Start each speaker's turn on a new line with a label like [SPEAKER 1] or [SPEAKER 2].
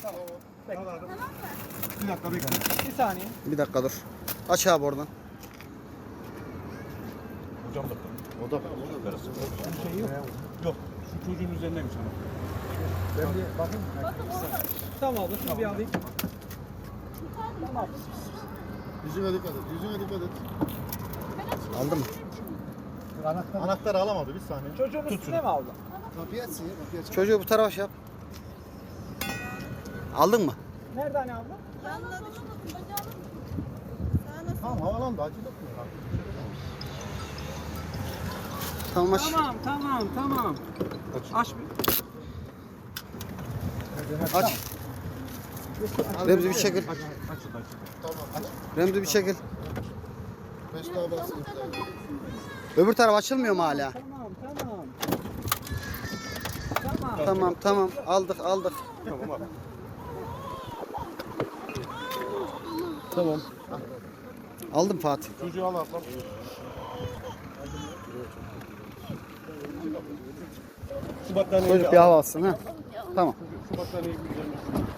[SPEAKER 1] Tamam. Bekle.
[SPEAKER 2] Tamam mı?
[SPEAKER 3] Bir dakika bekle.
[SPEAKER 1] Bir saniye.
[SPEAKER 4] Bir dakika dur. Aç abi oradan.
[SPEAKER 3] Hocam da. O da. Bir şey yok. Yok. Şu çocuğun üzerindeymiş ama.
[SPEAKER 1] Ben bir bakayım.
[SPEAKER 2] Bakın orada.
[SPEAKER 1] Tamam abla şunu bir alayım. Tamam.
[SPEAKER 3] Yüzüne dikkat et. Yüzüne dikkat et.
[SPEAKER 4] Aldın mı?
[SPEAKER 3] Anahtarı alamadı bir saniye.
[SPEAKER 1] Çocuğun üstüne mi abla?
[SPEAKER 3] Kapıyı açsın ya. Kapıyı aç.
[SPEAKER 4] Çocuğu bu tarafa şey yap. Aldın mı?
[SPEAKER 1] Nerede hani abla?
[SPEAKER 2] Yanına düşün. Bacağını.
[SPEAKER 3] Tamam havalandı. Acil etmiyor.
[SPEAKER 4] Tamam aç.
[SPEAKER 1] Tamam. Aç bir.
[SPEAKER 4] Aç. Remzi bir çekil. Remzi bir çekil.
[SPEAKER 3] 5 daha bassın.
[SPEAKER 4] Öbür taraf açılmıyor mu hala? Tamam. Aldık.
[SPEAKER 3] Tamam abi.
[SPEAKER 4] Tamam. Aldım Fatih.
[SPEAKER 3] Çocuğu al ablam. Şu battaniyeyi
[SPEAKER 4] Çocuk bir hava alsın ha. Tamam.
[SPEAKER 3] Şu battaniyeyi bir üzerine.